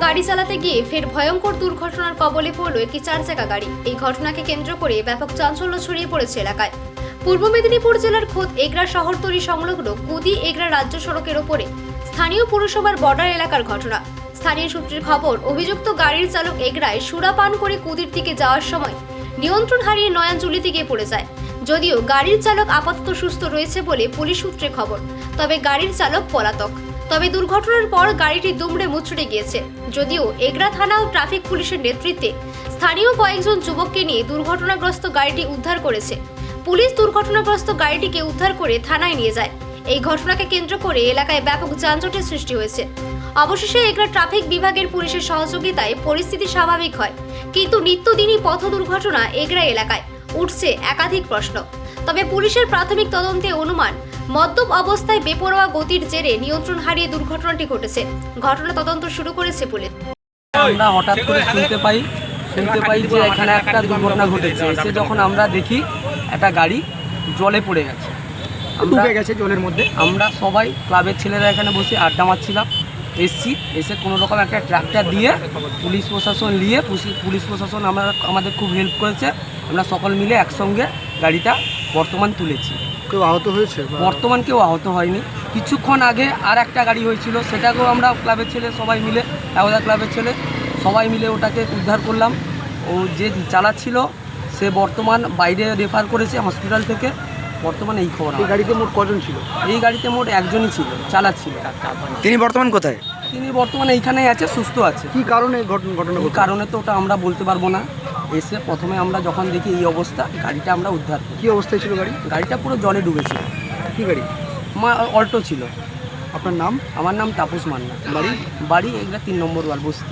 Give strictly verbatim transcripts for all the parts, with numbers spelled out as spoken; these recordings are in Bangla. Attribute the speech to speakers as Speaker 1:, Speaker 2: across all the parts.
Speaker 1: গাড়ি চালাতে গিয়ে ফের ভয়ঙ্কর দুর্ঘটনার কবলে পড়ল একটি চার চাকা গাড়ি। এই ঘটনাকে কেন্দ্র করে ব্যাপক চাঞ্চল্য ছড়িয়ে পড়েছে এলাকায়। পূর্ব মেদিনীপুর জেলার খোদ এগরা শহরতলি সংলগ্ন কুদি এগরা রাজ্য সড়কের ওপরে স্থানীয় পুরসভার বর্ডার এলাকার ঘটনা। স্থানীয় সূত্রের খবর, অভিযুক্ত গাড়ির চালক এগরায় সুরা পান করে কুদির দিকে যাওয়ার সময় নিয়ন্ত্রণ হারিয়ে নয়াঞ্জলি গিয়ে পড়ে যায়। যদিও গাড়ির চালক আপাতত সুস্থ রয়েছে বলে পুলিশ সূত্রে খবর, তবে গাড়ির চালক পলাতক। তবে দুর্ঘটনার পর গাড়িটি দুমড়ে মুচড়ে গিয়েছে। যদিও এগরা থানা ও ট্রাফিক পুলিশের নেতৃত্বে স্থানীয় কয়েকজন যুবককে নিয়ে দুর্ঘটনাগ্রস্ত গাড়িটি উদ্ধার করেছে। পুলিশ দুর্ঘটনাগ্রস্ত গাড়িটিকে উদ্ধার করে থানায় নিয়ে যায়। এই ঘটনাকে কেন্দ্র করে এলাকায় ব্যাপক যানজটের সৃষ্টি হয়েছে। অবশেষে এগরা ট্রাফিক বিভাগের পুলিশের সহযোগিতায় পরিস্থিতি স্বাভাবিক হয়, কিন্তু নিত্যদিনই পথ দুর্ঘটনা এগরা এলাকায় উঠছে একাধিক প্রশ্ন। তবে পুলিশের প্রাথমিক তদন্তে অনুমান, মদ্যপ অবস্থায় বেপরোয়া গতির জেরে নিয়ন্ত্রণ হারিয়ে দুর্ঘটনাটি ঘটেছে। ঘটনা তদন্ত শুরু করেছে পুলিশ।
Speaker 2: আমরা হঠাৎ করে শুনতে পাই শুনতে পাই যে এখানে একটা দুর্ঘটনা ঘটেছে। এসে যখন আমরা দেখি একটা গাড়ি জলে পড়ে গেছে,
Speaker 3: ডুবে গেছে জলের মধ্যে।
Speaker 2: আমরা সবাই ক্লাবের ছেলেরা এখানে বসে আড্ডা মারছিলাম। এসছি, এসে কোনো রকম একটা ট্রাক্টর দিয়ে পুলিশ প্রশাসন নিয়ে পুলিশ প্রশাসন আমরা আমাদের খুব হেল্প করেছে। আমরা সকল মিলে একসঙ্গে গাড়িটা বর্তমান তুলেছি।
Speaker 3: কেউ আহত হয়েছে?
Speaker 2: বর্তমান কেউ আহত হয়নি। কিছুক্ষণ আগে আর একটা গাড়ি হয়েছিল, সেটাকেও আমরা ক্লাবের ছেলে সবাই মিলে একদা ক্লাবের ছেলে সবাই মিলে ওটাকে উদ্ধার করলাম। ও যে চালাচ্ছিল সে বর্তমান বাইরে রেফার করেছে হসপিটাল থেকে। বর্তমানে এই খবর।
Speaker 3: এই গাড়িতে মোট কজন ছিল?
Speaker 2: এই গাড়িতে মোট একজনই ছিল, চালাচ্ছিল।
Speaker 3: তিনি বর্তমান কোথায়?
Speaker 2: তিনি বর্তমানে এইখানেই আছে, সুস্থ আছে।
Speaker 3: কি কারণে ঘটনা ঘটনা
Speaker 2: এই কারণে তো ওটা আমরা বলতে পারবো না। এসে প্রথমে আমরা যখন দেখি এই অবস্থা, গাড়িটা আমরা উদ্ধার করি।
Speaker 3: কি অবস্থায় ছিল গাড়ি?
Speaker 2: গাড়িটা পুরো জলে ডুবেছিল।
Speaker 3: কি গাড়ি?
Speaker 2: মা অল্টো ছিল।
Speaker 3: আপনার নাম?
Speaker 2: আমার নাম তাপস মান্না।
Speaker 3: বাড়ি?
Speaker 2: বাড়ি এগুলা তিন নম্বর ওয়াল বস্তি।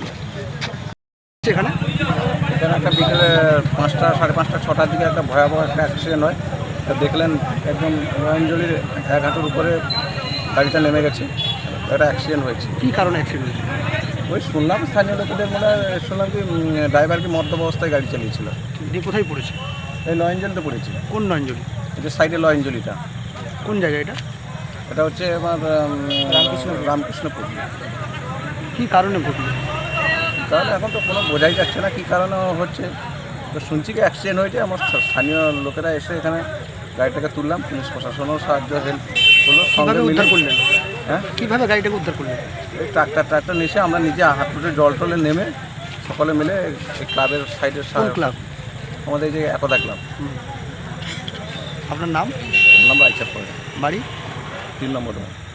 Speaker 3: এখানে
Speaker 4: এখানে একটা বিকেলে পাঁচটা সাড়ে পাঁচটা ছটার দিকে একটা ভয়াবহ একটা অ্যাক্সিডেন্ট হয়। তা দেখলেন একদম নয়ঞ্জলির এক হাঁটুর উপরে গাড়িটা নেমে গেছে, একটা অ্যাক্সিডেন্ট হয়েছে।
Speaker 3: কি কারণে অ্যাক্সিডেন্ট হয়েছে?
Speaker 4: ওই শুনলাম স্থানীয় লোকেদের মনে হয়, শুনলাম কি ড্রাইভার কি মদ্যপ অবস্থায় গাড়ি চালিয়েছিল।
Speaker 3: দিয়ে কোথায় পড়েছে?
Speaker 4: এই লয়ঞ্জলিতে পড়েছিল।
Speaker 3: কোন নয়ঞ্জলি?
Speaker 4: এই যে সাইডে লয়ঞ্জলিটা,
Speaker 3: কোন জায়গা এটা?
Speaker 4: এটা হচ্ছে আমার রামকৃষ্ণ রামকৃষ্ণপুর।
Speaker 3: কি কারণে ঘটলো?
Speaker 4: তাহলে এখন তো কোনো বোঝাই যাচ্ছে না কী কারণে হচ্ছে। তো শুনছি কি অ্যাক্সিডেন্ট হয়েছে। আমার স্থানীয় লোকেরা এসে এখানে গাড়িটাকে তুললাম, পুলিশ প্রশাসনও সাহায্য হেল্প করলো। সঙ্গে
Speaker 3: উদ্ধার করলেন?
Speaker 4: হ্যাঁ,
Speaker 3: কীভাবে গাড়িটাকে উদ্ধার করলেন?
Speaker 4: এই ট্রাক্টর ট্রাক্টর নিয়ে আমরা নিজে হাত ফুটে জল টলে নেমে সকলে মিলে এই ক্লাবের সাইডের
Speaker 3: ক্লাব?
Speaker 4: আমাদের এই যে একদা ক্লাব।
Speaker 3: আপনার নাম?
Speaker 4: নাম রাইচার পড়ে,
Speaker 3: বাড়ি?
Speaker 4: তিন নম্বর।